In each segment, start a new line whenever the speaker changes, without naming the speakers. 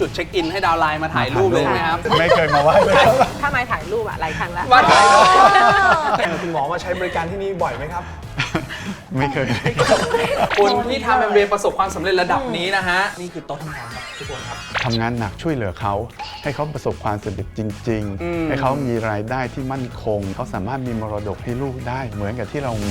จุดเช็คอินให้ดาวไลน์มาถ่ายรูปเลยไหมครับ
ไม่เคยมาไหว้เลยครับ
ถ้ามาถ่ายรูปอะหลายครั้งแล้ว
มาถ่ายรูป
คุณหมอมาใช้บริการที่นี่บ่อยไหมครับ
ไม่เคย
คุณที่ทำแอมเวย์ประสบความสำเร็จระดับนี้นะฮะนี่คือโต๊ะทำงานครับทุกคนครับ
ทำงานหนักช่วยเหลือเขาให้เขาประสบความสำเร็จจริง ๆ ให้เขามีรายได้ที่มั่นคงเขาสามารถมีมรดกให้ลูกได้เหมือนกับที่เรามี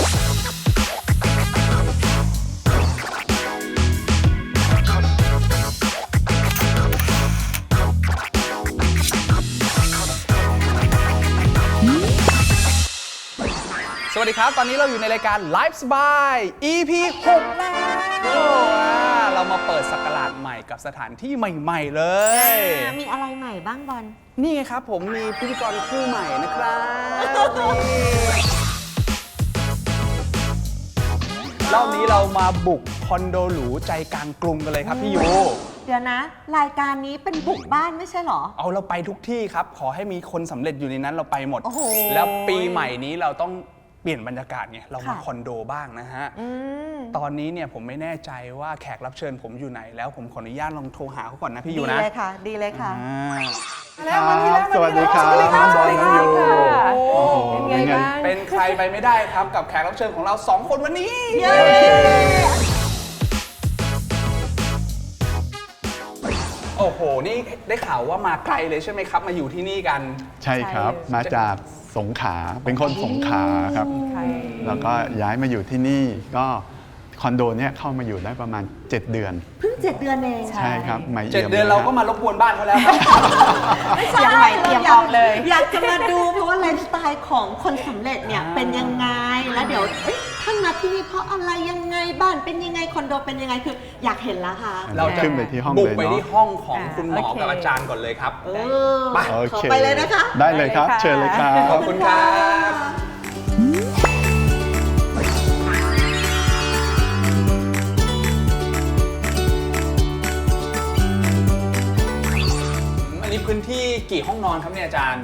สวัสดีครับ ตอนนี้เราอยู่ในรายการ Life สบาย EP 6 แล้วเรามาเปิดศักราชใหม่กับสถานที่ใหม่ๆเลย
มีอะไรใหม่บ้างบอล
นี่ไงครับผมมีพิธีกรคู่ใหม่นะครับรอบนี้เรามาบุกคอนโดหรูใจกลางกรุงกันเลยครับพี่ยู
เดี๋ยวนะ รายการนี้เป็นบุกบ้านไม่ใช่เหรอ
เอาเราไปทุกที่ครับ ขอให้มีคนสำเร็จอยู่ในนั้นเราไปหมด
โอ้โห
แล้วปีใหม่นี้เราต้องเปลี่ยนบรรยากาศไงเรามา
ค่ะ
คอนโดบ้างนะฮะ ตอนนี้เนี่ยผมไม่แน่ใจว่าแขกรับเชิญผมอยู่ไหนแล้วผมขออนุญาตลองโทรหาเขาก่อนนะพี่ยู
ดี
นะ
เลยค่ะ ดีเลยค่ะ
ครับสวัสดีครับน้องบอลน้องยูโอ้โหเป็นไง
เป็นใครไปไม่ได้ครับกับแขกรับเชิญของเรา2 คนวันนี้
เย้
โอ้โห นี่ได้ข่าวว่ามาไกลเลยใช่ไหมครับ มาอยู่ที่นี่กัน
ใช่ครับมาจากสงขลาเป็นคนสงขลาครับ แล้วก็ย้ายมาอยู่ที่นี่ก็คอนโดเนี่ยเข้ามาอยู่ได้ประมาณ 7 เดือน
เพิ่ง7 เดือนเอง
ใช่ครับใหม่
7
เอี่ยม
เดือน
ลย
เรา
คบ
ก็มารบกวนบ้านเขาแล้วครับ
ไม่ใช่
ยังใหม่เตรียมออกเลย
อยากจะมาดูเพราะว่าไลฟ์สไตล์ของคนสำเร็จเนี่ยเป็นยังไง แล้วเดี๋ยวท่านมาที่นี่เพราะอะไรยังไงบ้านเป็นยังไงคอนโดเป็นยังไงคืออยากเห็นแล้วค่ะ
เราจะ
ขึ้นไปที่ห้อง
บุก
เลย
ไป
เนาะ
ที่ห้องของคุณหมอ
โอเค
กับอาจารย์ก่อนเลยครับ ไป
โอ
ขอ
เค
ไปเลยนะคะ
ได้เลยครับ เชิญเลยครับ
ขอบคุณครับ อันนี้พื้นที่กี่ห้องนอนครับเนี่ยอาจารย์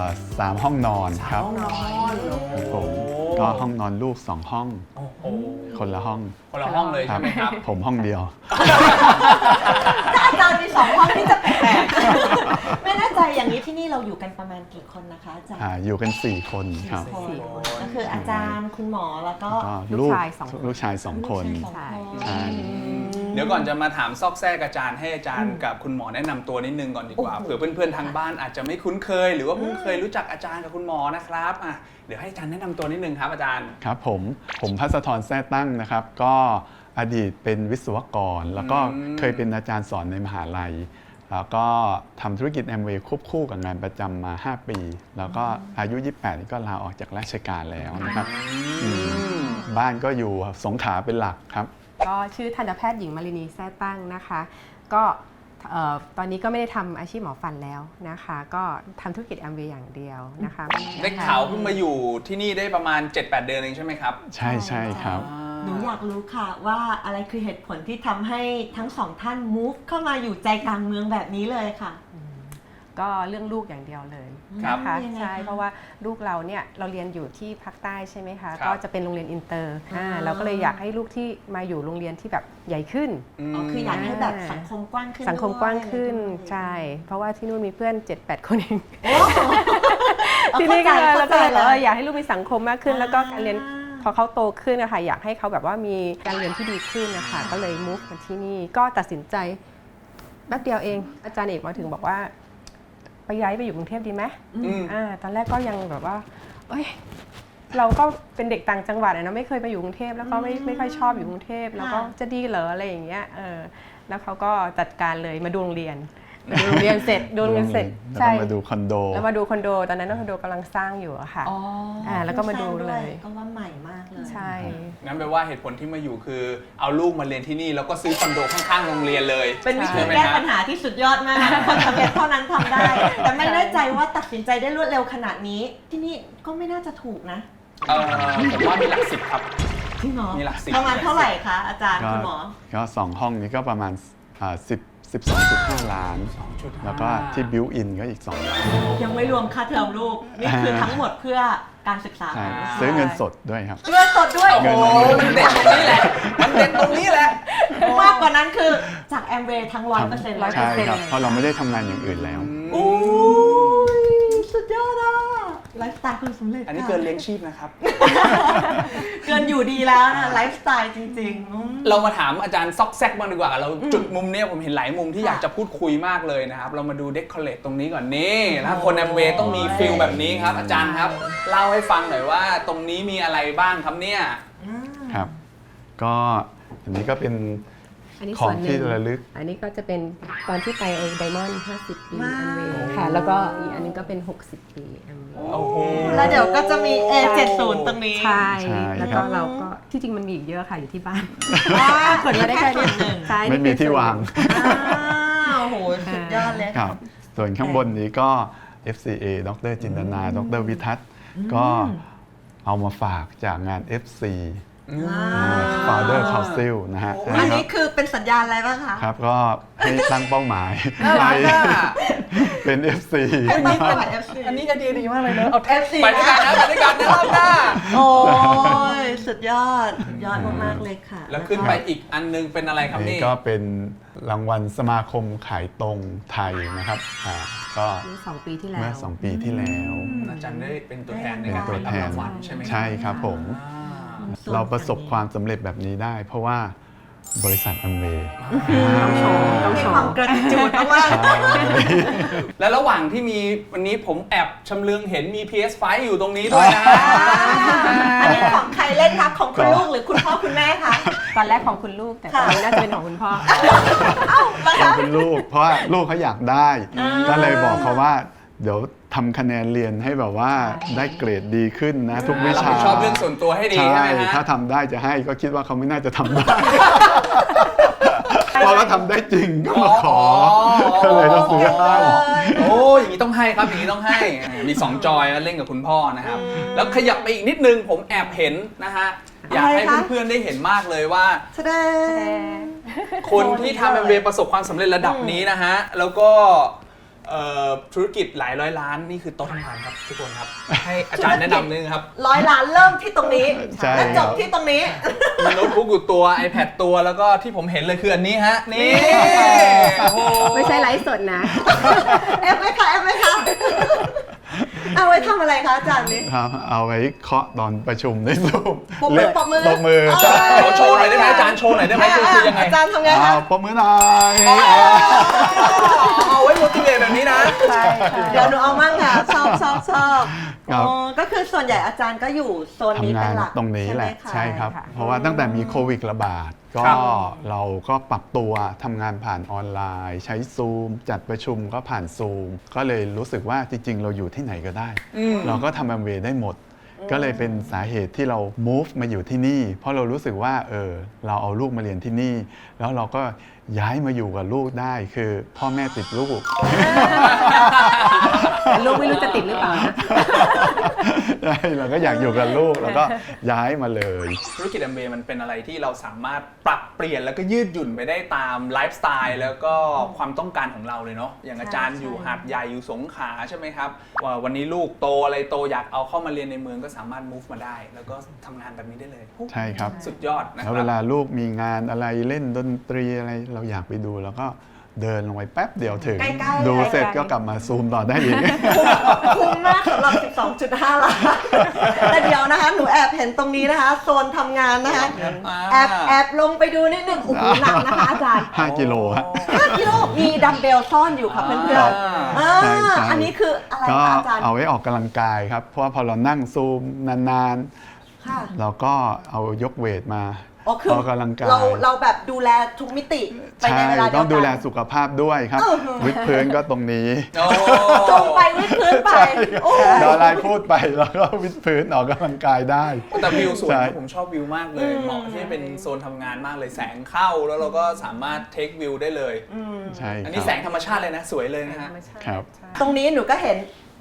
3 ห้องนอนครับ
ห้องนอน
ครับผมก็ห้องนอนลูก 2 ห้อง
โอ้โห
คนละห้อง
คนละห้องเลยใช่ไหมครับ
ผมห้องเดียว
ถ้าอาจารย์มี2 ห้องที่จะแปลกๆไม่แน่ใจอย่างนี้ที่นี่เราอยู่กันประมาณกี่คนนะคะอาจารย์
อยู่กัน 4 คนครับ
คนก็คืออาจารย์คุณหมอแล้วก็
ก็
ลูกชายสองคน
ลูกชาย 2 คน
ลูกชายสองคน
ใช่
เดี๋ยวก่อนจะมาถามซอกแซกอาจารย์ให้อาจารย์กับคุณหมอแนะนำตัวนิดนึงก่อนดีกว่า
โอ้โห
เผื่อเพื่อนๆทางบ้านอาจจะไม่คุ้นเคย หรือว่าเพิ่งเคยรู้จักอาจารย์กับคุณหมอนะครับอ่ะเดี๋ยวให้อาจารย์แนะนำตัวนิดนึงครับอาจารย์
ครับผมภัสธรแท้ตั้งนะครับ ก็อดีตเป็นวิศวกร แล้วก็เคยเป็นอาจารย์สอนในมหาลัย แล้วก็ทำธุรกิจแอมเวย์ควบคู่กับงานประจำมา 5 ปี แล้วก็อายุ 28นี่ก็ลาออกจากราชการแล้วนะครับบ้านก็อยู่สงขลาเป็นหลักครับ
ก็ชื่อทันตแพทย์หญิงมารินีแท้ตั้งนะคะ ก็ตอนนี้ก็ไม่ได้ทำอาชีพหมอฟันแล้วนะคะ ก็ทำธุรกิจแอมเวย์อย่างเดียวนะคะ
ได้ข่าวเพิ่งมาอยู่ที่นี่ได้ประมาณ 7-8 เดือนเองใช่ไหมครับ
ใช่ครับ
หนูอยากรู้ค่ะว่าอะไรคือเหตุผลที่ทำให้ทั้งสองท่าน move เข้ามาอยู่ใจกลางเมืองแบบนี้เลยค่ะ
ก็เรื่องลูกอย่างเดียวเลย
ครับ
นะคะ
ยังไงคะ
ใช่เพราะว่าลูกเราเนี่ยเราเรียนอยู่ที่ภาคใต้ใช่ไหมคะ
ครับ
ก็จะเป็นโรงเรียนอินเตอร์เราก็เลยอยากให้ลูกที่มาอยู่โรงเรียนที่แบบใหญ่ขึ้น
อ๋อคืออยากให้แบบสังคมกว้างขึ้น
สังคมกว้างขึ้น
ด้วย
ใช่ เพราะว่าที่นู่นมีเพื่อน 7-8 คนเอง
โอ้
ที่นี่ก็เลย
เข้า
แล้ว
ใจ
ก็
แล้ว
อยากให้ลูกมีสังคมมากขึ้น แล้วก็การเรียนพอเขาโตขึ้นนะคะอยากให้เขาแบบว่ามีการเรียนที่ดีขึ้นนะคะก็เลยมุกมาที่นี่ก็ตัดสินใจแป๊บเดียวเองอาจารย์เอกมาถึงบอกว่าไปย้ายไปอยู่กรุงเทพดีไหมตอนแรกก็ยังแบบว่าเอ้ยเราก็เป็นเด็กต่างจังหวัดนะไม่เคยไปอยู่กรุงเทพแล้วก็ไม่ค่อยชอบอยู่กรุงเทพแล้วก็จะดีเหรออะไรอย่างเงี้ยแล้วเขาก็จัดการเลยมาดูโรงเรียนดูโรงเรียนเสร็จดูโรงเรียนเสร็จ
แล้ว
ใช่
ก็มาดูคอนโด
แล้วมาดูคอนโดตอนนั้นคอนโดกำลังสร้างอยู่อะค่ะ
อ๋อ
แล้วก็มาดูเลย
ก็ว่าใหม่มากเลย
ใช่
งั้นแปลว่าเหตุผลที่มาอยู่คือเอาลูกมาเรียนที่นี่แล้วก็ซื้อคอนโดข้างๆโรงเรียนเลย
เป็นวิธี
ใช่ไหม
แก้
ฮะ
ปัญหาที่สุดยอดมากคนสำเร็จเท่านั้นทำได้ แต่ไม่แน่ใจว่าตัดสินใจได้รวดเร็วขนาดนี้ ที่นี่ก็ไม่น่าจะถูกนะ
ผมว่ามีหลักสิบครับ
จริงเหรอ
มีหลักสิบ
ประมาณเท่าไหร่คะอาจารย์
ก็
คุณหมอ
ก็2 ห้องนี้ก็ประมาณ10 12.5 ล้าน
2.5
แล้วก็ที่บิวอินก็อีก 2 ล้าน
ยังไม่รวมค่าเทอมลูก นี่คือทั้งหมดเพื่อการศึกษา
ใช่
ของลูก
ซื้อเงินสดด้วยครับ
เงินสดด้วย
เงิน
โอ้มันเด็ดตรงนี้แหละ มันเด็ดตรงนี้แหละ
มากกว่านั้นคือจากแอมเวย์ทั้ง 100%เลย
ใช่ครับ เพราะเราไม่ได้ทำงานอย่างอื่นแล้ว
โอ้ยสุดยอดอ่ะไลฟ์สไตล์คนสำเร็จ
อันนี้เกินเลี้ยงชีพนะครับ
เกินอยู่ดีแล้วนะไลฟ์สไตล์จริงๆ
เรามาถามอาจารย์ซอกแซกบ้างดีกว่า เราจุดมุมเนี้ยผมเห็นหลายมุมที่
ค่ะ
อยากจะพูดคุยมากเลยนะครับ เรามาดูเดคอเรทตรงนี้ก่อนนี่นะคนแอมเวย์ต้องมีฟิลแบบนี้ครับ อาจารย์ครับ เล่าให้ฟังหน่อยว่าตรงนี้มีอะไรบ้างครับเนี่ย
ครับ ก็อันนี้ก็เป็น
อันนี้
ขอ
ส่
ง
วนหนึ่
ที่
ง
ระลึก
อันนี้ก็จะเป็นตอนที่ไปไดมอนด์50 ปี
ว้าว
แอมเวย์ค่ะ แล้วก็อีกอันนึงก็เป็น 60 ปีแอมเวย์
โอ้โห
แล้วเดี๋ยวก็จะมี A70 ตรงนี้
ใช่
ใช่
แล้ว
ครั
ก็
บ
เราก็ที่จริงมันมีอีกเยอะค่ะอยู่ที่บ้าน
ขนมาได้แค่นี้
ใช่
ไม่มีที่วาง
โอ้โห สุดยอดเลย
ครับ ส่วนข้างบนนี้ก็ FCA ดรจินตนา ดรวิทัศน์ ก็เอามาฝากจากงาน FC Founder Council นะฮะ
อันนี้คือเป็นสัญญาณอะไรบ้างคะ
ครับก็ให้ตั้งเป้าหมาย
น่ารักอะ
เป็น FC
ให้ตั้งเป้าหมาย FC
อันนี้ไอเดียดีมากเลยเนอะเอา
FC
ไปด้วยกันนะไปด้วยกันนะรอบหน้า
โอ้ย สุดยอด สุดยอดมากๆเลยค่ะ
แล้วขึ้นไปอีกอันนึงเป็นอะไรครับ
นี่
นี่
ก็เป็นรางวัลสมาคมขายตรงไทยนะครับก็
เมื่อ2 ปีที่แล้ว
เมื่อ 2 ปีที่แล้ว
อาจารย์ได้เป็นตัวแทนใน
เป็น
การ
ตัว
รับ
แทน
รางวัลใช่ไหม
ใช่ครับผม เราประสบความสำเร็จแบบนี้ได้ เพราะว่าบริษัท Amway
ต้องโชว์ต้อง
มี
โช
ความ
ว์
กระจุดมาก
แล้วระหว่างที่มีวันนี้ผมแอบชำเลืองเห็นมี PS5 อยู่ตรงนี้ด้วยนะ
ๆอันนี้ของใครเล่นคะของคุณลูกหรือคุณพ่อคุณแม่คะ
ตอนแรกของคุณลูกแต่ตอนนี้น่าจะเป็นของคุณพ่อ
ขอบคุณลูก เพราะว่าลูกเขาอยากได้ ก็เลยบอกเขาว่า เดี๋ยวทำคะแนนเรียนให้แบบว่าได้เกรดดีขึ้นนะ ทุกวิ
รับ
ชา
ผิดชอบเรื่องส่วนตัวให้ดีใช่ไหมฮะ
ถ้าทำได้จะให้ก็คิดว่าเขาไม่น่าจะทำได้ พอเขาทำได้จริงก็มาขอ ก็เลยต้องซื้อให้
โอ้อย่างนี้ต้องให้ครับอย่างนี้ต้องให้มี2จอยแล้วเล่นกับคุณพ่อนะครับ แล้วขยับไปอีกนิดนึงผมแอบเห็นนะฮะอยากให้
อะไรคะ
เพื่อนๆได้เห็นมากเลยว่า
แสดง
คนที่ทำแอมเวย์ประสบความสำเร็จระดับนี้นะฮะ แล้วก็ธุรกิจหลายร้อยล้านนี่คือโต๊ะทำงานครับทุกคนครับ ให้อาจารย์แนะนำนิดนึงครับ
100 ล้านเริ่มที่ตรงนี้
ใช่
และจ
ครับ บ
ที่ตรงนี้
มีโน้ตบุ๊กอยู่ตัว iPad ตัวแล้วก็ที่ผมเห็นเลยคืออันนี้ฮะ นี่โอ้โห
ไม่ใช่ไลฟ์สดนะ
เอฟไหมคะเอฟไหมคะเอาไว้ทำอะไรคะอาจารย์นี้
ครับเอาไว้เคาะตอนประชุมในซูม
ปรบมือปรบมือ
ปรบมือใช่
ขอโชว์หน่อยได้ไหมอาจารย์โชว์หน่อยได้ไหมคือยังไง
อาจารย์ทำไงคะ
ปรบมือหน่อย
เอาไว้ motivate แบบนี้นะ
ใช่ค่ะ
เดี๋ยวหนูเอามั่งค่ะชอบ
ครับ
อ๋อก็คือส่วนใหญ่อาจารย์ก็อยู่โซนนี้
ทำ
เป็
งาน น
หลัก
ตรงนี้แหละ
ใช่
ใช่
ไหมคะ
ครับ
ค่ะ
เพราะว่าตั้งแต่มีโควิดระบาดก็
ครับ
เราก็ปรับตัวทำงานผ่านออนไลน์ ใช้ซูมจัดประชุมก็ผ่านซูมก็เลยรู้สึกว่าจริง ๆ เราอยู่ที่ไหนก็ได้ เราก็ทำแอมเวย์ได้หมด ก็เลยเป็นสาเหตุที่เรา move มาอยู่ที่นี่ เพราะเรารู้สึกว่าเราเอาลูกมาเรียนที่นี่ แล้วเราก็ย้ายมาอยู่กับลูกได้คือพ่อแม่ติดลูก
แต่ลูกไม่รู้จะติดหรือเปล่านะ
ใช่เราก็อยากอยู่กับลูกแล้วก็ย้ายมาเลย
ธุรกิจแอมเวย์มันเป็นอะไรที่เราสามารถปรับเปลี่ยนแล้วก็ยืดหยุ่นไปได้ตามไลฟ์สไตล์แล้วก็ความต้องการของเราเลยเนาะอย่างอาจารย์อยู่หาดใหญ่อยู่สงขลาใช่ไหมครับว่าวันนี้ลูกโตอะไรโตอยากเอาเข้ามาเรียนในเมืองก็สามารถ move มาได้ แล้วก็ทำงานแบบนี้ได้เลย
ใช่ครับ
สุดยอดนะค
แล้ว
รั
เว
บ
ลาลูกมีงานอะไรเล่นดนตรีอะไรเราอยากไปดูแล้วก็เดินลงไปแป๊บเดียวถึง
ใกล้ๆ
ดูเสร็จก็กลับมาซูมต่อได้อีก
คุ้มมากสำหรับ 12.5 ล้านแต่เดี๋ยวนะคะหนูแอบเห็นตรงนี้นะคะโซนทำงานนะคะแอบลงไปดูนิดนึงโอ้โหหนักนะคะอาจารย์
5 กิโลฮะ
5 กิโลมีดัมเบลซ่อนอยู่ค่ะเพื่อนๆ
ใช่ใช่
อันนี้คืออะไร
ก็
คะอาจารย์
เอาไว้ออกกำลังกายครับ เพราะว่าพอเรานั่งซูมนาน
ค่ะ
ๆ เราก็เอายกเวทมา
อ๋อคือ
ออกกำลังกาย
เราแบบดูแลทุกมิติไป
ใช่
ในเวลาเดียวกัน
ต้องดูแลสุขภาพด้วยครับ วิดพื้นก็ตรงนี้
โอ้
จงไปวิดพื้นไป
ใช่
โอ้
เดี๋ยวอะไรพูดไปแล้วก็วิดพื้นออกกำลังกายได้
แต่วิวสวย
ใช่
นะผมชอบวิวมากเลยเหมาะที่เป็นโซนทำงานมากเลยแสงเข้าแล้วเราก็สามารถเทควิวได้เลย
ใช่
อัน
ค
นี้
รับ
แสงธรรมชาติเลยนะสวยเลยนะฮะ
ครับ
ตรงนี้หนูก็เห็น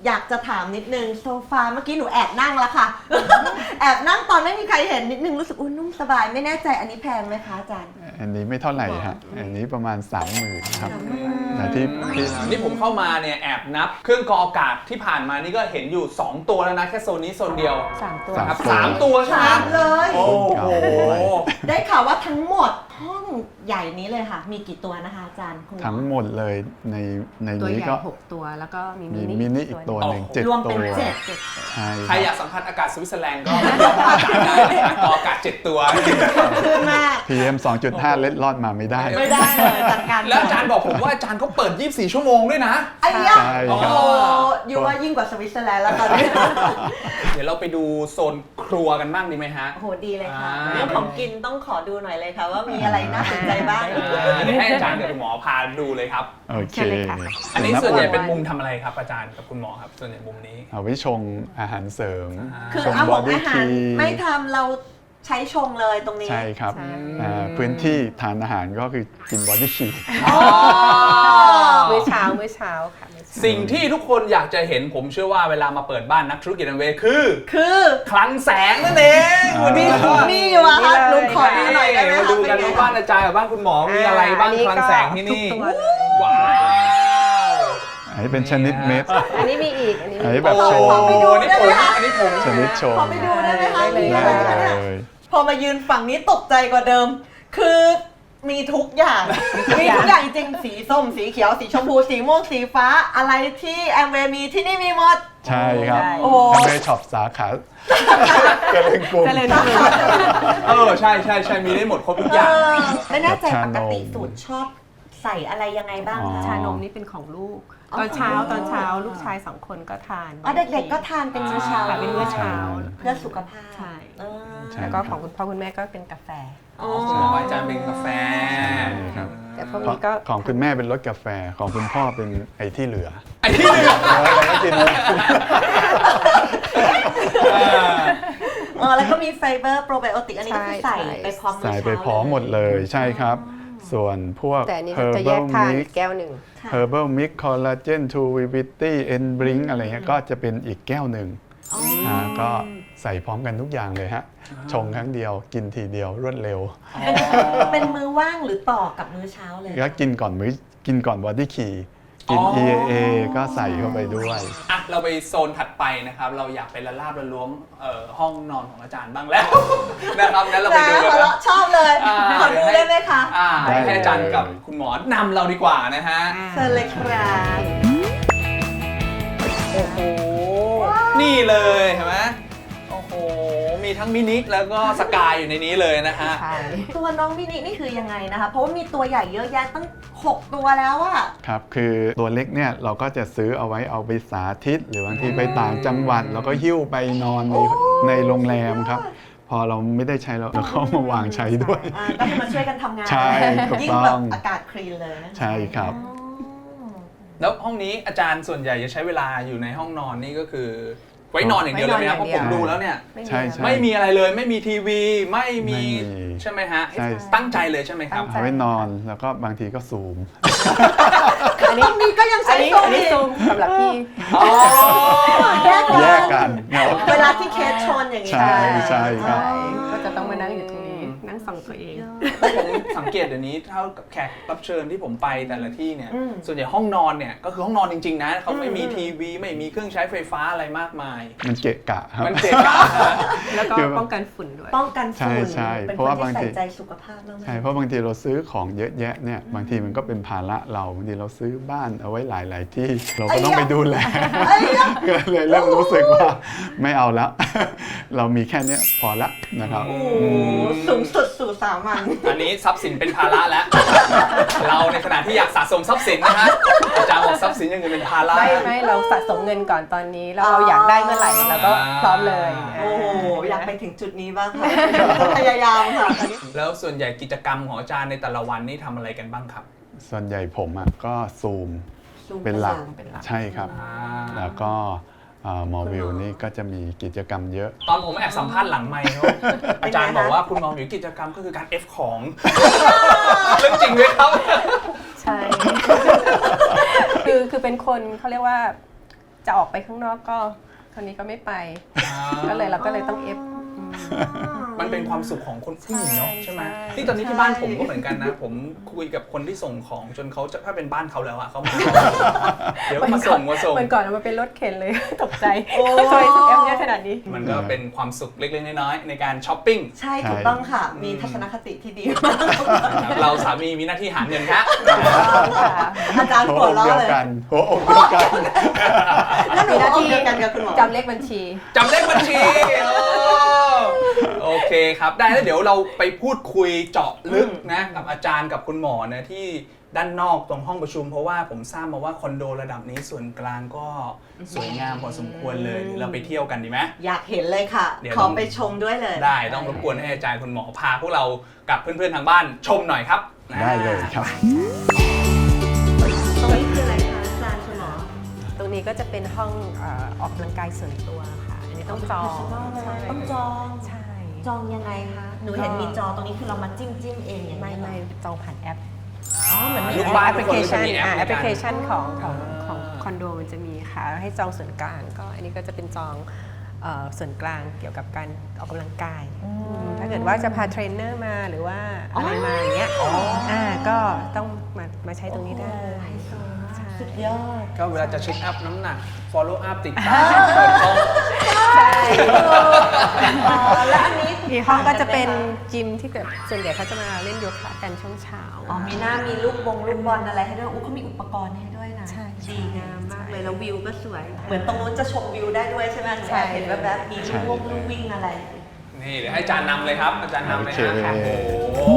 อยากจะถามนิดนึงโซฟาเมื่อกี้หนูแอบนั่งแล้วค่ะ แอบนั่งตอนไม่มีใครเห็นนิดนึงรู้สึกนุ่มสบายไม่แน่ใจอันนี้แพงไหมคะอาจารย์
อันนี้ไม่เท่าไหร่ครับอันนี้ประมาณ 30,000ครับแต่ที่
นี่ผมเข้ามาเนี่ยแอบนับเครื่องกรองอากาศที่ผ่านมานี่ก็เห็นอยู่ 2 ตัวแล้วนะแค่โซนนี้โซนเดียว
3 ตัว
ครับ3 ตัวใช่ไหม
ถามเลย
โอ้โห
ได้ข่าวว่าทั้งหมดห้องใหญ่นี้เลยค่ะ มีกี่ตัวนะคะอาจารย์คุณหมอ
ทั้งหมดเลยใน
ตัว
นี้
ใหญ่
ก็
6 ตัวแล้วก็มี
มี
มิ
มิ
นิ
นิอีกตัวหนึ่ง
โอ้โห
7
รวมเป็น
ตัว
เจ็ด
ใช่
ใครอยากสัมผัสอากาศสวิตเซอร์แลนด์ก็ลองอากาศได้นะกรองอากาศ7 ตัว
ขึ้นมาก
PM 2.5 เล็ดลอดมาไม่ได้
ไม่ได้เลยจัดการ
แล้วอาจารย์บอกผมว่าอาจารย์เขาเปิด 24 ชั่วโมงด้วยนะ
ไอ้ยะ
ใช่
โอ้
ครับ
โหยูว่ายิ่งกว่าสวิตเซอร์แลนด์แล้วตอนนี้
เดี๋ยวเราไปดูโซนครัวกันบ้างดีไหมฮะ
โอ้โหดีเลยค่ะ
อ่า
เรื่องของกินต้องขอดูหน่อยเลยค่ะว่ามีอะไรน่าสนใจบ้าง
เดี๋ยวให้อาจารย์กับคุณหมอพาดูเลยครับ
โอเค
เชิญเลยค่ะ
อันนี้ส่วนใหญ่เป็นมุมทำอะไรครับอาจารย์กับคุณหมอครับ ส่วนใหญ่มุมนี้
เอาไว้ชงอาหารเสริม
คือ
ชง
เอา
บ
ข
อ
อง
ดี้
อาหา
คี
รไม่ทำเราใช้ชงเลยตรงนี้
ใช่ครับ
ใช่
พื้นที่ทานอาหารก็คือกินบอดี้คี
อ๋อ
มื้อเช้าค่ะมื้อเช้า
สิ่งที่ทุกคนอยากจะเห็นผมเชื่อว่าเวลามาเปิดบ้านนักธุรกิจอันเวย์คือ
คือ
คลังแสงนั่นเองวันนี้
มีอยู่อะค่ะหนูขอดูหน่อยได้ไหม
มา
คะ
ดูกันว่าบ้านอาจารย์กับบ้านคุณหมอมีอะไรบ้างคลังแสงที่นี่
ทุกตัวเลย
ว้าว
อันนี้เป็นชนิดเม็ด
อันนี้มีอีก อันนี้
อัน
มี
นี้แบบโชว์
ขอไปดู
นี่
ได้
ผ
ไหม
ม
คะ
อันนี้ผม
ชนิดโชว์
ขอไปดูได้ไหมคะ
ได้เลย
มีอะไรคะเนี่ย
เลย
พอมายืนฝั่งนี้ตกใจกว่าเดิม คือมีทุกอย่าง มีทุกอย่างจริงๆสีส้ม สีเขียว สีชมพู สีม่วง สีฟ้า อะไรที่แอมเวย์มีที่นี่มีหมด
ใช่ครับ
โอ้
ทำเวช็อปสาขาเจริญกรุง
เจริญกรุง
ใช่มีได้หมดครบทุกอย่าง
ไม่แน่ใจ
ชา
ป
นม
กติสูตรชอบใส่อะไรยังไงบ้าง
อ๋อ
คะ
ชานมนี่เป็นของลูก
อ๋อ
ตอนเช้าลูกชาย2 คนก็ทาน
อ๋อเด็กๆก็ทานเป็นมื้อเช้า
ค่ะเป็นมื้อเช้า
เพื่อสุขภาพ
ใช่
เออ
ใช่
แล้วก็ของคุณพ่อคุณแม่ก็เป็นกาแฟ
อ๋อ
ของอาจารย์เป็นกาแฟ
ครับ
แต่พวกนี้ก็
ของคุณแม่เป็นรสกาแฟของคุณพ่อเป็นไอ้ที่เหลือ
ไอ้ที่เหลือ
เราก็กิน
แล้วก็มีไฟเบอร์โปรไบโอติกอันนี้ก็คือใส่ไปพร้อมมื้อ
ใส่
เช้า
ไปพร้อมหมดเลยใช่ครับ ส่วนพวก
แต่อันนี้จะแยก
herbal
ทาน
mix
แก้วหนึ่ง
ค่ะ
herbal mix collagen to vivity and brink อะไรเงี้ยก็จะเป็นอีกแก้วหนึ่งก็ใส่พร้อมกันทุกอย่างเลยฮะ ชงครั้งเดียวกินทีเดียวรวดเร็ว
เป็นมื้อว่างหรือต่อกับมื้อเช้าเลย
แล้วกินก่อนบอดี้คีกิน EAA ก็ใส่เข้าไปด้วย
อ่ะเราไปโซนถัดไปนะครับ เราอยากไปละลาบละล้วงห้องนอนของอาจารย์บ้างแล้ว นะครับงั้นเราไป
นะ
ดูกัน
หัว
นะ
เราะชอบเลย ขอดูได้ไหมคะ
ให้อาจารย์กับคุณหมอนำเราดีกว่านะฮะ
เชิญเลยครับ
โอ้โห นี่เลยเห็นไหมโอ้โห มีทั้งมินิแล้วก็สกายอยู่ในนี้เลยนะฮะ
ใช่
ตัวน้องมินินี่คือยังไงนะคะ เพราะว่ามีตัวใหญ่เยอะแยะตั้ง 6 ตัวแล้วอะ
ครับ คือตัวเล็กเนี่ยเราก็จะซื้อเอาไว้เอาไปสาธิต หรือบางทีไปต่างจังหวัดแล้วก็หิ้วไปนอนในโรงแรมครับ พอเราไม่ได้ใช้เราก็เอามาวางใช้ด้วย
ก็ให้มาช่วยกันทำงาน
ใช่ถูก
ยิ่ง
ต้
แบ
อบ ง
อากาศคลีนเลยนะะ
ใช่ครับ
อ๋อ
แล้วห้องนี้อาจารย์ส่วนใหญ่จะใช้เวลาอยู่ในห้องนอนนี่ก็คือ ไว้นอนอย่างเดียวเลยไหมครับเพราะผมดูแล้วเนี่ย
ใช่ใช่
ไม่มีอะไรเลยไม่มีทีวี ไม่มี
ไม่มี
ใช่ไหมฮะ
ใช่
ตั้งใจเลยใช่ไหมครับ
เอาไว้นอนแล้วก็บางทีก็ซูม
อันนี้
ตรงนี้ก็ยัง
อั
ใช้
นนี้
โซ
อันนี้
อีก
ซูมสำหรับพี่
อ๋อ
แยก
แยก
กั
กัน นครับ
เวลาที่เคสชนอย่างนี้
ใช่ใช่ครับ
ก็จะต้องมานั่งอยู่ตรงนี้ นั่งส่องตัวเอง
ผมสังเกตเดี๋ยวนี้เท่ากับแขกรับเชิญที่ผมไปแต่ละที่เนี่ย ส่วนใหญ่ห้องนอนเนี่ยก็คือห้องนอนจริงๆนะเขาไม่มีทีวีไม่มีเครื่องใช้ไฟฟ้าอะไรมากมาย
มันเกะกะครับ
มันเจ็บอะ
แล้วก็
คือ
ป้องกันฝุ่นด้วย
ป้องกันฝุ่น
ใช่
เป็น
เพ
ค
ราะ
น
ว่า
ที่
บางที
ใส่ใจสุขภาพมากๆ
ใช่เพราะบางทีเราซื้อของเยอะแยะเนี่ยบางทีมันก็เป็นภาระเราบางทีเราซื้อบ้านเอาไว้หลาย ๆ ที่เราก็ต้องไปดูแลก็เลยเริ่มรู้สึกว่าไม่เอาละ เรามีแค่เนี้ยพอละนะครับ
โอ้โหสูงสุดสู่สามัญ
อันนี้ทรัพย์สินเป็นภาระแล้ว เราในขณะที่อยากสะสมทรัพย์สินนะฮะอาจารย์บอกทรัพย์สินอย่างอื่นเป็นภาระ
ไม่เราสะสมเงินก่อนตอนนี้ แล้วเราอยากได้เมื่อไหร่เราก็พร้อมเลย
โอ้โหอยากไปถึงจุดนี้บ้างค่ะพยายามค่ะ
แล้วส่วนใหญ่กิจกรรมของอาจารย์ในแต่ละวันนี่ทำอะไรกันบ้างครับ
ส่วนใหญ่ผมอ่ะก็ซูมเป็นหลัก
เป็นหลัก
ใช่ครับ แล้วก็หมอวิวนี่ก็จะมีกิจกรรมเยอะ
ตอนผมแอบสัมภาษณ์หลังไมค์เขาอาจารย์บอกว่าคุณหมอหมิวกิจกรรมก็คือการ F ของ เรื่องจริงไหมครับ
ใช่ คือเป็นคนเขาเรียกว่าจะออกไปข้างนอกก็คนนี้ก็ไม่ไป ก็เลยเราก็เลยต้องเอฟ
มันเป็นความสุขของคนผู้หญิงเนาะใช่ไหม
ใช่
ที่ตอนนี้ที่บ้านผมก็เหมือนกันนะ ผมคุยกับคนที่ส่งของจนเขาจะถ้าเป็นบ้านเขาแล้วอะเขามา เดี๋ยวมาส่ง
วันก่อนเอามาเป็นรถเข็นเลย ตกใจ
โอ้
ทำไมเอฟเยอะขนาดนี้
มันก็เป็นความสุขเล็กๆน้อยๆในการช้อปปิ้ง
ใช่ถูกต้องค่ะ มีทัศนคติที่ดีมาก
เราสามีมีหน้าที่หาเงินครับ
อาจารย์
หั
หั
ว
ว
อก
เราะ
เดียว
เลย
กันหัวอกเดียวกัน
แล้วหนูเอาเดียวกันกับคุณหมอ
จำเลขบัญชี
จำเลขบัญชีโอเคครับ ได้แล้วเดี๋ยวเราไปพูดคุยเจาะลึกนะกับอาจารย์กับคุณหมอนะที่ด้านนอกตรงห้องประชุม เพราะว่าผมทราบมาว่าคอนโดระดับนี้ส่วนกลางก็สวยงามพอสมควรเลยเดี๋ยวเราไปเที่ยวกันดีไหม
อยากเห็นเลยค่ะ
เดี๋ยว
ขอไปชมด้วยเลย
ได้ต้องรบกวนให้อาจารย์คุณหมอพาพวกเรากับเพื่อนๆทางบ้านชมหน่อยครับ
ได้เลยครับ
ตรงนี้คืออะไรคะอาจารย์คุณหมอ
ตรงนี้ก็จะเป็นห้องออกกำลังกายส่วนตัวค่ะ อันนี้ต้องจอง
ต้องจอง
ใช่
จองยังไงคะ หนูเห็นมีจอตรงนี้คือเรามาจิ้มเองอย่าง
ไม่
นี้เหรอ
ไม่จองผ่านแอป
อ๋อเหมือนมี
ลูกบ้าน
แอปพลิเคชัน
ทุกคนก็จะมีแอปในการ
แอปพลิเคชันของคอนโดมันจะมีค่ะ ให้จองส่วนกลางก็อันนี้ก็จะเป็นจองส่วนกลางเกี่ยวกับการออกกำลังกาย ถ้าเกิดว่าจะพาเทรนเนอร์มาหรือว่าอะไรมาอย่างเงี้ยก็ต้องมาใช้ตรงนี้ได้เลยใช่
สุดยอด
ก็เวลาจะเช็คอัพน้ำหนัก follow up ติดตามเปิดห้อง
ใช่
แล้วอันนี้
อีกห้องก็จะเป็นจิมที่แบบส่วนใหญ่เขาจะมาเล่นโยคะกันช่วงเช้า
อ๋อมีหน้ามีลูกบอลอะไรให้ด้วยเขามีอุปกรณ์ให้ด้วยนะ
ใช่
ดีงามมากเลยแล้ววิวก็สวย เหมือนตรงนู้นจะชมวิวได้ด้วยใช่ไหม
ใช่
เห็นแบบมีลูกวิ่งอะไร
นี่เดี๋ยวให้อาจารย์นำเลยครับ อาจารย์นำเลยนะ
โอเค
โอ้โห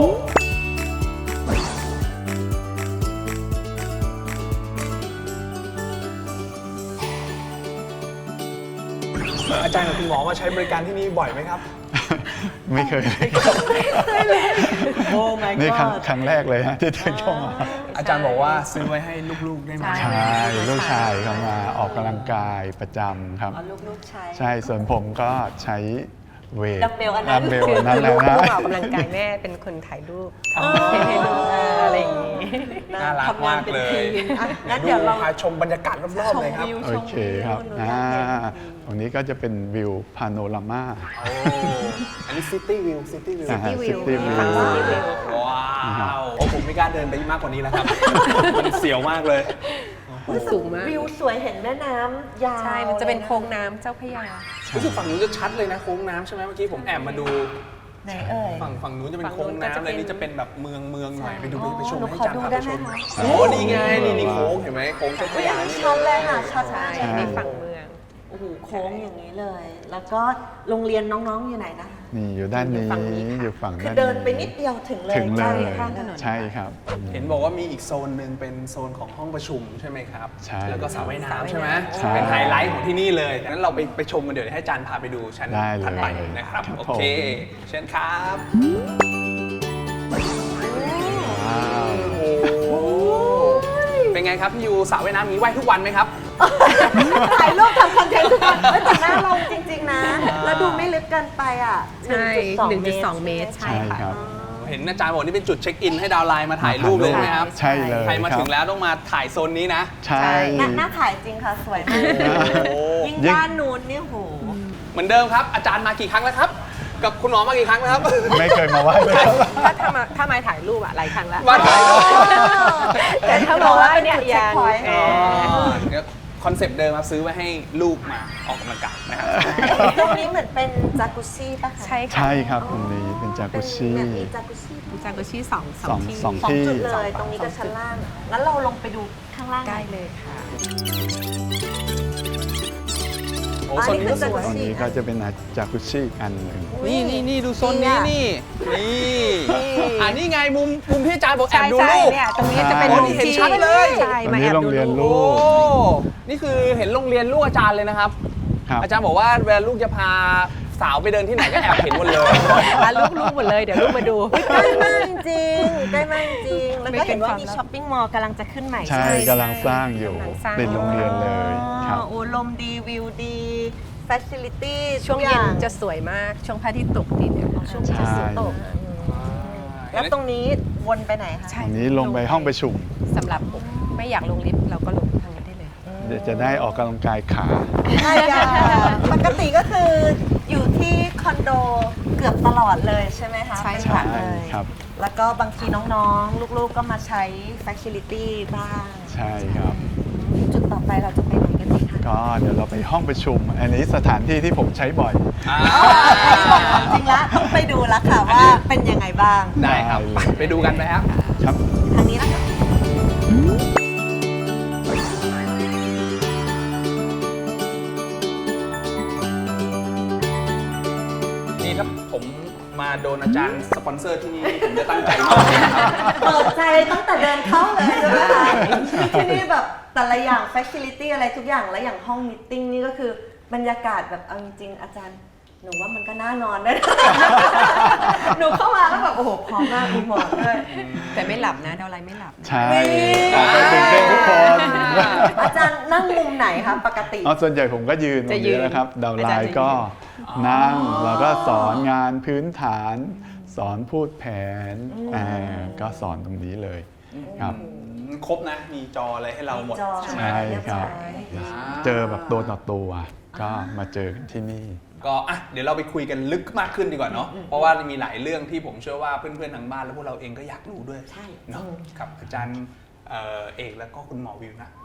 อาจารย์กับคุณหมอมาใช้บริการที่นี่บ่อยไหมครับ
ไม่เคยเลย
โอ้ my
นี่
god
ครั้งแรกเลยฮะที่เดินเข้ามา
อาจารย์บอกว่าซื้อไว้ให้ลูกๆได้ไหม
ใช่ลูกชายเขามาออกกำลังกายประจำครับ
อ๋อลูกๆใช้
ใช่ส่วนผมก็ใช้เวท
ดัมเบลอันนั้น
ดัมเบล
คือ
อันนั้นแห
ลู
ละ
ก
นะ
ออกกำลังกายแม่เป็นคนถ่ายรูปทำให้ดูอะไรอย่างนี้
น่ารักมากเลย
ทำงนเป็นทีมอ่ะงั้น
ดู
เดี๋ยวเรา
พาชมบรรยากาศรอบๆเลยครับ
โอเคครับตรงนี้ก็จะเป็นวิวพาโนรามา
โอ้
อันนี้ซิตี้วิวซิตี้วิว
อ่าฮะ
City View
City View
ฝั่ง City View
ว้าวโอ้ผมไม่กล้าเดินไปมากกว่านี้แล้วครับ มันเสียวมากเลย
สูงมาก
วิวสวยเห็นแม่น้ำยาว
ใช่ มันจะเป็นโค้งน้ำเจ้าพระยา
รู้สึกฝั่งนู้นจะชัดเลยนะโค้งน้ำใช่ไหมเมื่อกี้ผมแอบมาดู
ไหนเอ่ย
ฝั่งนู้นจะเป็นโค้งน้ำเลยนี่จะเป็นแบบเมืองหน่อยไปดูไปชม
หนู
ให้
ขอ
จาน
ดู
พา
ได้
ไป
ไหม
ชม
คะ
โอ้นี่ไงนี่โค้งเห็นไหมโค้งเจ้าพระ
อุ้ย
ยา
อันนี้
นี่
ชัด
เล
เลย ยค่ะชัด
ใช่
มาก
ในฝั่งเมือง
โอ้โหโค้งอย่างนี้เลย แล้วก็โรงเรียนน้องๆอยู่ไหนนะคะ
นี่อยู่ด้านนี้
อยู่ฝั่งนี้ค่ะ
อยู่ฝั่ง
คือ
ด้าน
เดินไปนิดเดียวถึงเลย
ถึงเล
ใกล้
ย
ข้างถนน
ใช่ครับ
เห็นบอกว่ามีอีกโซนหนึ่งเป็นโซนของห้องประชุมใช่ไหมครับ
ใช่
แล้วก็สระว่ายน้ำใช่ไหม
ใช่
เป็นไฮไลท์ของที่นี่เลยงั้นเราไปชมกันเดี๋ยวให้อาจารย์พาไปดูชั้น
ได้เลย
ถัดไปนะครับ
ครับ
โอเค เชิญครับ
ว้าว
โอ้เป็นไงครับพี่ยูสระว่ายน้ำมีว่ายทุกวันไหมครับ
ถ่ายรูปทำคอนเทนต์ทุกคนเฮ้ยแต่หน้าลงจริงๆนะ แล้วดูไม่ลึกเกินไปอ่ะ
ใช่ 1.2 เมตร
ใช่ครับ
เห็นอาจารย์บอกนี่เป็นจุดเช็คอินให้ดาวน์ไลน์มาถ่ายรูปเลยใช่ไหมครับ
ใช่เลย
ใครมา
บ
ถึงแล้วต้องมาถ่ายโซนนี้นะ
ใช่
หน้าถ่ายจริงค่ะ สวยมาก
โอ้
ยิ่งด้านนู้นเนี่ยโห
เหมือนเดิมครับ อาจารย์มากี่ครั้งแล้วครับ กับคุณหมอมากี่ครั้งแล้วครับ
ไม่เคยมาไหว้เลยครับ
ถ้ามาถ่ายรูปอะหลายครั้งแล้ว
มาถ่ายรูป
แต่ถ้าบอกว่าเนี่ยยัง
คอนเซปต์เดิมครับซื้อไว้ให้ลูกมาออกกำลังกายนะครับ
ตรงนี้เหมือนเป็นจากุซซี่ป่ะคะ
ใช่ค่ะ
ใช่ครับตรงนี้เป็นจากุชิ
แบบมีจากุซซี่
จากุชิสอง
สอง
ที่
สอง
สอง
ที่
จุดเลย ตรงนี้กับชั้นล่าง งั้นเราลงไปดูข้างล่าง
ใกล้เลยค่ะ
โอ้โซนนี้ก็สวย
ตรงนี้ก็จะเป็นจากุชิอันหนึ่ง
นี่ดูโซนนี้นี่นี่ไงมุมที่อาจารย์บอกแอ
ใช่
บดู
ใช่
ลูก
เนี่ยตรงนี้จะเป็น
โอ้
มุม
นี่เห็น
ที่
ชัดเลย
ใช่
ตรง
มา
นี้
แอบ
โรง
ดู
เรียน
ลู
ลู
ก
ก
นี่คือเห็นโรงเรียนลูกอาจารย์เลยนะครับ
ครับ
อาจารย์บอกว่าเวลาลูกจะพาสาวไปเดินที่ไหนก็แอบเห็นหมดเลย
ลูกหมดเลยเดี๋ยวลูกมาดู
ใกล้มากจริงใกล้มากจริง แล้วก็เห็นว่ามี
ไม่เป็นความลับ
ช้อปปิ้งมอลล์กำลังจะขึ้นใหม่
ใช่กำลังสร้างอยู่
กำลังสร้าง
เป็นโรงเรียนเลยครับ
โอ้ลมดีวิวดีเฟสิลิตี้
ช่วงเย็นจะสวยมาก ช่วงพระอาทิตย์ตกดินเนี่ย
ช่วงที่จะสุดตกแล้วตรงนี้วนไปไหนคะ
ใช่
ตรงนี้ลงไปห้องประชุม
สำหรับไม่อยากลงลิฟต์เราก็ลงทางนี้ได้เลย
ม
เดี๋ยวจะได้ออกกำลังกายขา
ใช่ปกติก็คืออยู่ที่คอนโดเกือบตลอดเลยใช่ไหมคะ
ใช่
เป็นหลั
ค่ะ
กเลย
ครับ
แล้วก็บางทีน้องๆ ลูกๆก็มาใช้ Facility บ้าง
ใช่ครับ
จุดต่อไปเราจะไปไหนกันดีคะ
ก็เดี๋ยวเราไปห้องประชุม อันนี้สถานที่ที่ผมใช้บ่อย
จริงแล้วต้องไปดูแล้วค่ะว่าเป็นยังไงบ้าง
ได้ครับไปดูกันไหมครับ
ครับ
ทางนี้นะคะ
นี่ถ้าผมมาโดนอาจารย์สปอนเซอร์ที่นี่ผมจะตั้งใจมากเลยนะครับ
เปิดใจตั้งแต่เดินเข้าเลยใช่ไหมคะที่นี่แบบแต่ละอย่าง Facility อะไรทุกอย่างและอย่างห้องมีตติ้งนี่ก็คือบรรยากาศแบบเอาจริงๆอาจารย์หนูว่ามันก็น่านอนด้วยนะ หนูเข้ามาแล้วแบบโอ้โหพร้อมมากมีหมอนด้วย
แต่ไม่หลับนะดาวไลไม่หลับนะ
ใช่ออกไปตื่นเต้นทุกคน
อาจารย์นั่งมุมไหนคะปกติ
เอาส่วนใหญ่ผมก็ยืนตรงนี้นะครับ ดาวไลน์ก็นั่งแล้วก็สอนงานพื้นฐาน สอนพูดแผนก็สอนตรงนี้เลยครับ
ครบนะ มีจออะไรให้เราหมด
จอ
ใช่ครับ
เรียบร้อย
เจอแบบตัวต่อตัวก็มาเจอกันที่นี่
ก็อ่ะเดี๋ยวเราไปคุยกันลึกมากขึ้นดีกว่าเนาะเพราะว่ามีหลายเรื่องที่ผมเชื่อว่าเพื่อนๆทางบ้านและพวกเราเองก็อยากรู้ด้วย
ใช่
เนาะกับอาจารย์เอกแล้วก็คุณหมอวิวนะ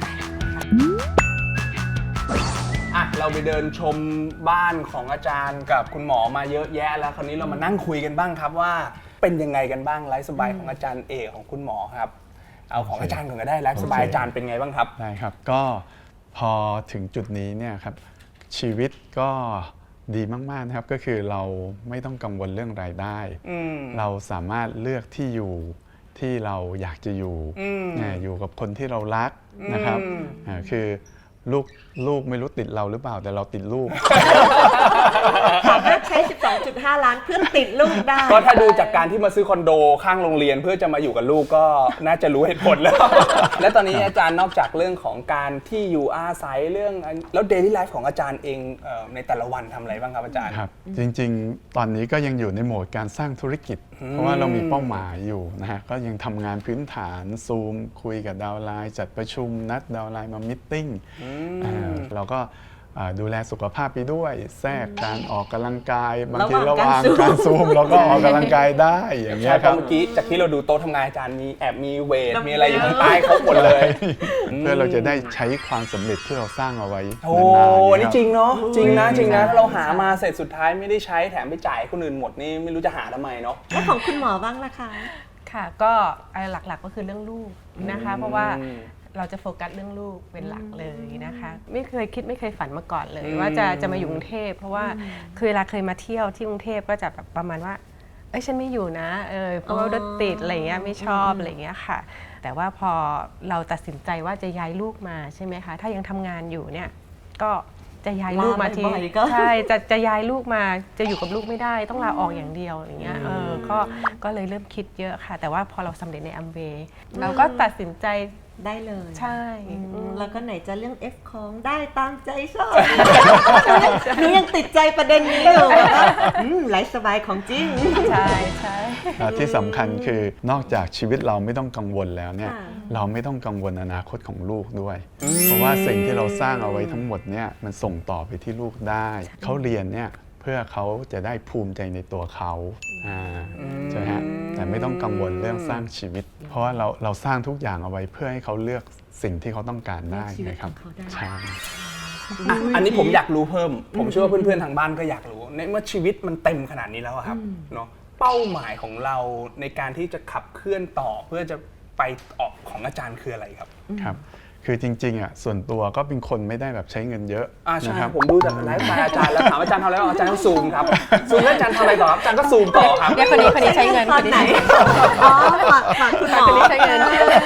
อ่ะเราไปเดินชมบ้านของอาจารย์กับคุณหมอมาเยอะแยะแล้วคราวนี้เรามานั่งคุยกันบ้างครับว่าเป็นยังไงกันบ้างไลฟ์สไตล์ของอาจารย์เอกของคุณหมอครับเอาของอาจารย์ก่อนก็ได้ไลฟ์สไตล์อาจารย์เป็นไงบ้างครับ
ได้ครับก็พอถึงจุดนี้เนี่ยครับชีวิตก็ดีมากๆนะครับก็คือเราไม่ต้องกังวลเรื่องรายได้ เราสามารถเลือกที่อยู่ที่เราอยากจะอยู่อยู่กับคนที่เรารักนะครับคือลูกไม่รู้ติดเราหรือเปล่าแต่เราติดลูก
สามารถใช้ 12.5 ล้านเพื่อติดลูกได้
ก็ถ้าดูจากการที่มาซื้อคอนโดข้างโรงเรียนเพื่อจะมาอยู่กับลูกก็น่าจะรู้เหตุผลแล้ว และตอนนี้อาจารย์นอกจากเรื่องของการที่อยู่อาศัยเรื่องแล้วเดลี่ไลฟ์ของอาจารย์เองในแต่ละวันทำอะไรบ้างครับอาจารย์
ครับจริงๆ ตอนนี้ก็ยังอยู่ในโหมดการสร้างธุรกิจ เพราะว่าเรามีเป้าหมายอยู่นะฮะก็ยังทำงานพื้นฐานซูมคุยกับดาวไลน์จัดประชุมนัดดาวไลน์มามิทติ้งเราก็ดูแลสุขภาพไปด้วยแทรกการออกกำลังกายบางทีระหว่างการซูมเราก็ออกกำลังกายได้อย่างเงี้
ใช่
ย
เพ
ครับ
ราะเมื่อกี้จากที่เราดูโต๊ะทำงานอาจารย์มีแอบมีเวทมีอะไรอยู่ข้างใต้เขาหมดเลย
เพื่อเราจะได้ใช้ความสำเร็จที่เราสร้างเอาไว้
โอ้
นานๆ
นี่
คบ
จริงเนาะจริงนะถ้าเราหามาเสร็จสุดท้ายไม่ได้ใช้แถมไปจ่ายคนอื่นหมดนี่ไม่รู้จะหาทำไมเนาะ
แล้วของคุณหมอบ้างล่ะคะ
ค่ะก็หลักๆก็คือเรื่องลูกนะคะ เพราะว่าเราจะโฟกัสเรื่องลูกเป็นหลักเลยนะคะ ไม่เคยคิดไม่เคยฝันมาก่อนเลย ว่าจะมาอยู่กรุงเทพเพราะว่าคือเวลาเคยมาเที่ยวที่กรุงเทพก็จะแบบประมาณว่าฉันไม่อยู่นะเพราะว่ารถติดอะไรเงี้ยไม่ชอบอะไรเงี้ยค่ะ แต่ว่าพอเราตัดสินใจว่าจะย้ายลูกมาใช่ไหมคะถ้ายังทำงานอยู่เนี่ยก็จะย้ายลูกมาที่
บ่อยๆก็
ใช่จะย้ายลูกมาจะอยู่กับลูกไม่ได้ต้องลาออกอย่างเดียวอย่างเงี้ยก็เลยเริ่มคิดเยอะค่ะ แต่ว่าพอเราสำเร็จในอัมเวย์เราก็ตัดสินใจ
ได้เลย
ใช่
แล้วก็ไหนจะเรื่อง F ของได้ตามใจชอบ หนูยังติดใจประเด็นนี้อยู่แบบว่าไลฟ์สบายของจริง
ใช่ใช่
ที่สำคัญคือนอกจากชีวิตเราไม่ต้องกังวลแล้วเนี่ย
ค่ะ
เราไม่ต้องกังวลอนาคตของลูกด้วย เพราะว่าสิ่งที่เราสร้างเอาไว้ทั้งหมดเนี่ยมันส่งต่อไปที่ลูกได้ เขาเรียนเนี่ยเพื่อเขาจะได้ภูมิใจในตัวเขาใช่ไหมฮะแต่ไม่ต้องกังวลเรื่องสร้างชีวิต เพราะว่าเราสร้างทุกอย่างเอาไว้เพื่อให้เขาเลือกสิ่งที่เขาต้องการได้นะครับใช่
อันนี้ผมอยากรู้เพิ่ม ผมเชื่อว่าเพื่อนๆทางบ้านก็อยากรู้ในเมื่อชีวิตมันเต็มขนาดนี้แล้วอะครับเนาะเป้าหมายของเราในการที่จะขับเคลื่อนต่อเพื่อจะไปออกของอาจารย์คืออะไรครับ
ครับคือจริงๆอ่ะส่วนตัวก็เป็นคนไม่ได้แบบใช้เงินเยอะ
ใช่
นะครับ
ผมดูจากไลฟ์สไตล์อาจารย์แล้วถามอาจารย์ทำอะไรบ้างอาจารย์ก็ซูมครับซูมแล้วอาจารย์ทำอะไรต่อครับอาจารย์ก็ซูมต่อครับ
เนี่ยคนนี้ใช้เงิน
ตอนไหน อ๋อฝากคุณหมอ
คนนี้ใช้เงิน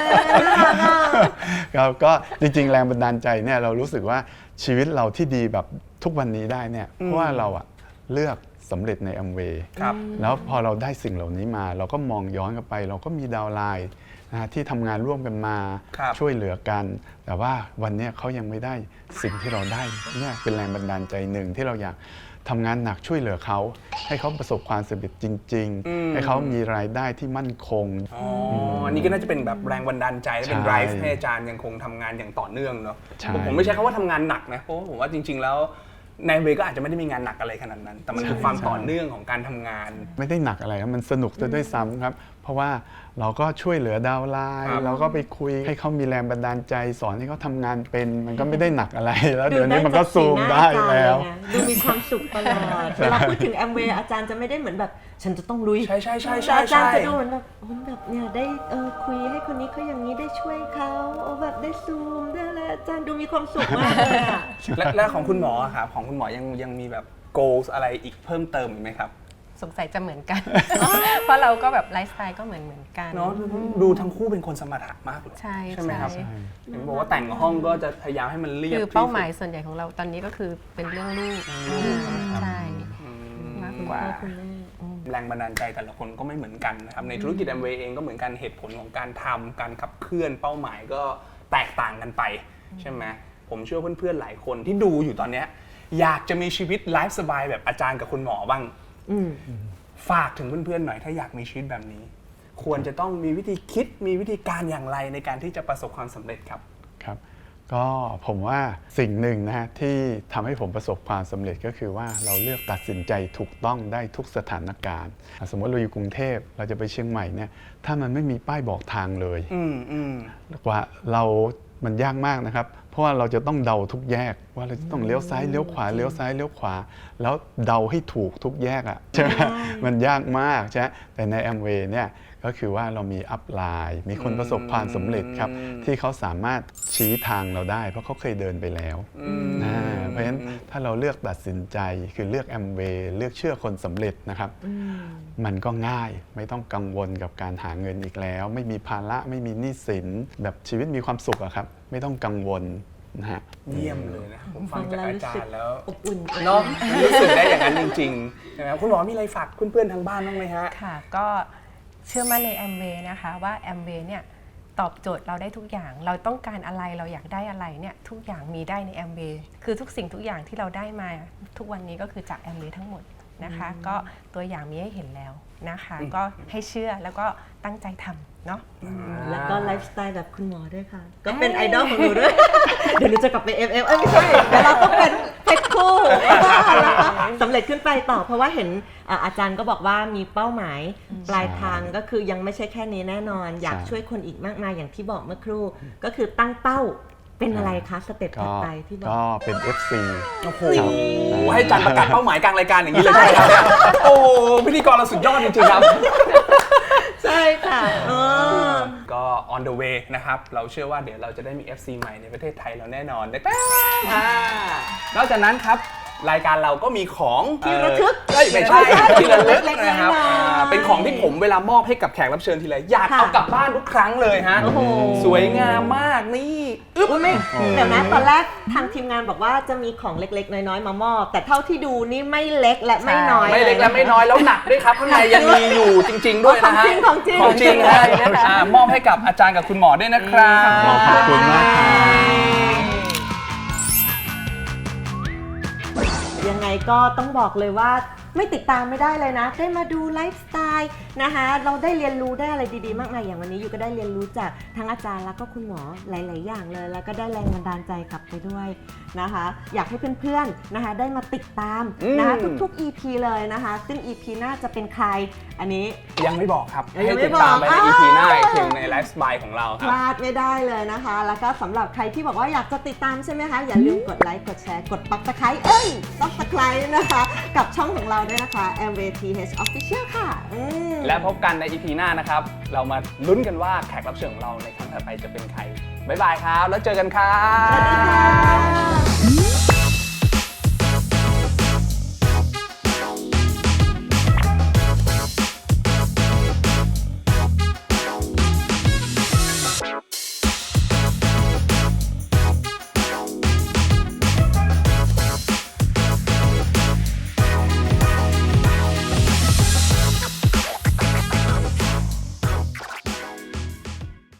ก็จริงๆแรงบันดาลใจเนี่ยเรารู้สึกว่าชีวิตเราที่ดีแบบทุกวันนี้ได้เนี่ยเพราะว่าเราอ่ะเลือกสำเร็จในอัมเวย์
ครับ
แล้วพอเราได้สิ่งเหล่านี้มา เราก็มองย้อนกลับไป เราก็มีดาวน์ไลน์นะที่ทำงานร่วมกันมา
ครับ
ช่วยเหลือกัน แต่ว่าวันเนี้ยเขายังไม่ได้สิ่งที่เราได้เนี่ยเป็นแรงบันดาลใจหนึ่งที่เราอยากทำงานหนักช่วยเหลือเขาให้เขาประสบความสำเร็จจริง ๆ ให้เขามีรายได้ที่มั่นคง
อ๋ออันนี้ก็น่าจะเป็นแบบแรงบันดาลใจและเป็น
ใช่
drive ให้อาจารย์ยังคงทำงานอย่างต่อเนื่องเนาะ
ใช่
ผมไม่ใช่คำว่าทำงานหนักนะเพราะว่าผมว่าจริง ๆ แล้วในเวก็อาจจะไม่ได้มีงานหนักอะไรขนาดนั้น แต่มันคือความต่อเนื่องของการทำงาน
ไม่ได้หนักอะไรครับมันสนุกซะด้วยซ้ำครับ เพราะว่าเราก็ช่วยเหลือดาวน์ไล
ครั
น์
บ
เราก็ไปคุยให้เขามีแรงบันดาลใจสอนให้เขาทำงานเป็นมันก็ไม่ได้หนักอะไรแล้วเดี๋ยวนี้มันก็ซูมได้แล้ว
ดูมีความสุขตลอดเวลาพูดถึงแอมเวย์อาจารย์จะไม่ได้เหมือนแบบฉันจะต้องลุย
ใช่ใช่ใช่
แต่
ใช่
อาจารย์
ใช่
จะดูเหมือนแบบโอ้ยแบบเนี่ยได้คุยให้คนนี้เขาอย่างนี้ได้ช่วยเขาแบบได้ซูมได้อะไรอาจารย์ดูมีความสุขมากเลยอะ
และของคุณหมออะครับของคุณหมอยังมีแบบ goals อะไรอีกเพิ่มเติมอีกไหมครับ
สงสัยจะเหมือนกัน เพราะเราก็แบบไลฟ์สไตล์ก็เหมือนกัน
เนาะดูทั้งคู่เป็นคนสมถะมากเลย
ใช่
ไหมครับ
ใช่
เห็นบอกว่าแต่งห้องก็จะพยายามให้มันเรียบ
คือ
ที่สุด
เป้าหมายส่วนใหญ่ของเราตอนนี้ก็คือเป็นเรื่องลูกใช่มากกว่า
แรงบันดาลใจแต่ละคนก็ไม่เหมือนกันนะครับในธุรกิจแอมเวย์เองก็เหมือนกันเหตุผลของการทำการขับเคลื่อนเป้าหมายก็แตกต่างกันไปใช่ไหมผมเชื่อเพื่อนๆหลายคนที่ดูอยู่ตอนเนี้ยอยากจะมีชีวิตไลฟ์สบายแบบอาจารย์กับคุณหมอบ้างฝากถึงเพื่อนๆหน่อยถ้าอยากมีชีวิตแบบนี้ ควรจะต้องมีวิธีคิดมีวิธีการอย่างไรในการที่จะประสบความสำเร็จครับ
ครับก็ผมว่าสิ่งหนึ่งนะฮะที่ทำให้ผมประสบความสำเร็จก็คือว่าเราเลือกตัดสินใจถูกต้องได้ทุกสถานการณ์สมมติเราอยู่กรุงเทพเราจะไปเชียงใหม่เนี่ยถ้ามันไม่มีป้ายบอกทางเลยกว่ามันยากมากนะครับเพราะว่าเราจะต้องเดาทุกแยกว่าเราจะต้องเลี้ยวซ้ายเลี้ยวขวาเลี้ยวซ้ายเลี้ยวขวาแล้วเดาให้ถูกทุกแยกอ่ะใช่ไหมมันยากมากใช่แต่ใน Amway เนี่ยก็คือว่าเรามีอัพไลน์มีคนประสบความสำเร็จครับที่เขาสามารถชี้ทางเราได้เพราะเขาเคยเดินไปแล้วเพราะฉะนั้นถ้าเราเลือกตัดสินใจคือเลือก Amway เลือกเชื่อคนสำเร็จนะครับมันก็ง่ายไม่ต้องกังวลกับการหาเงินอีกแล้วไม่มีภาระไม่มีหนี้สินแบบชีวิตมีความสุขอะครับไม่ต้องกังวลนะฮะ
เยี่ยมเลยนะผมฟังจากอาจารย์แล้ว
อบอุ่น
เนาะรู้สึกได้อย่างนั้นจริงๆนะครับคุณหมอมีอะไรฝากเพื่อนๆทางบ้านบ้างไหมฮะ
ค่ะก็เชื่อมั่นใน Amway นะคะว่า Amway เนี่ยตอบโจทย์เราได้ทุกอย่างเราต้องการอะไรเราอยากได้อะไรเนี่ยทุกอย่างมีได้ใน Amway คือทุกสิ่งทุกอย่างที่เราได้มาทุกวันนี้ก็คือจาก Amway ทั้งหมดนะคะก็ตัวอย่างมีให้เห็นแล้วนะคะก็ให้เชื่อแล้วก็ตั้งใจทำเนาะ
แล้วก็ไลฟ์สไตล์แบบคุณหมอด้วยค่ะ ก็เป็นไอดอลของหนูด้วย เดี๋ยวหนูจะกลับไป FM ไม่ใช่เดี๋ยวเราต้องเป็นเพชรคู่แล้วก็สำเร็จขึ้นไปต่อเพราะว่าเห็นอาจารย์ก็บอกว่ามีเป้าหมายปลายทางก็คือยังไม่ใช่แค่นี้แน่นอน อยากช่วยคนอีกมากมายอย่างที่บอกเมื่อครู่ก็คือตั้งเป้าเป็นอะไรคะสเต็ปถัดไปที่บอก
ก็เป็น FC
โอ้โหให้อาจารย์ประกาศเป้าหมายกลางรายการอย่างนี้เลยใช่ไหมครับเนี่ยโอ้พิธีกรเราสุดยอดจริงๆครับ
ใช่ค่ะ
ก็ on the way นะครับ เราเชื่อว่าเดี๋ยวเราจะได้มี FC ใหม่ในประเทศไทยเราแน่นอนนะครับนอกจากนั้นครับรายการเราก็มีของ
ที่ระลึก
ไม่ใช่ที่ระลึกนะครับ
เล็กๆ
เป็นของที่ผมเวลามอบให้กับแขกรับเชิญทีไรอยากเอากลับบ้านทุกครั้งเลยฮะ
โอ้โห
สวยงามมากนี่อึ๊บ
อุ๊ยไม่เดี๋ยวนะตอนแรกทางทีมงานบอกว่าจะมีของเล็กๆ น้อยๆ มามอบ แต่เท่าที่ดูนี่ไม่เล็กและไม่น้อย
ไม่เล็กและไม่น้อยแล้วหนักด้วยครับข้างในยังมีอยู่จริง ๆ ด้วยนะฮะ
ของจริง
ของจริงฮะมอบให้กับอาจารย์กับคุณหมอด้วยนะครับ
ขอบคุณมากครับ
ยังไงก็ต้องบอกเลยว่าไม่ติดตามไม่ได้เลยนะ ได้มาดูไลฟ์สไตล์นะคะเราได้เรียนรู้ได้อะไรดีๆมากมายอย่างวันนี้อยู่ก็ได้เรียนรู้จากทั้งอาจารย์แล้วก็คุณหมอหลายๆอย่างเลยแล้วก็ได้แรงบันดาลใจกลับไปด้วยนะคะอยากให้เพื่อนๆนะคะได้มาติดตามนะคะทุกๆ EP เลยนะคะซึ่ง EP หน้าจะเป็นใครอันนี้
ยังไม่บอกครับ
ยัง
ให้
ไม่
ติดตามไปใน
บอก
EP หน้าอีกทีในไลฟ์สไตล์ของเราค
พ
รับ
ลาดไม่ได้เลยนะคะ แล้วก็สำหรับใครที่บอกว่าอยากจะติดตามใช่ไหมคะ อย่าลืมกดไลค์ กดแชร์ กด Subscribe Subscribe นะคะ กับช่องของเราด้วยนะคะ Amway TH Official ค่ะ
และพบกันใน EP หน้านะครับ เรามาลุ้นกันว่าแขกรับเชิญของเราในครั้งถัดไปจะเป็นใคร บ๊ายบายครับ แล้วเจอกันครับ
สวัสดีค่ะ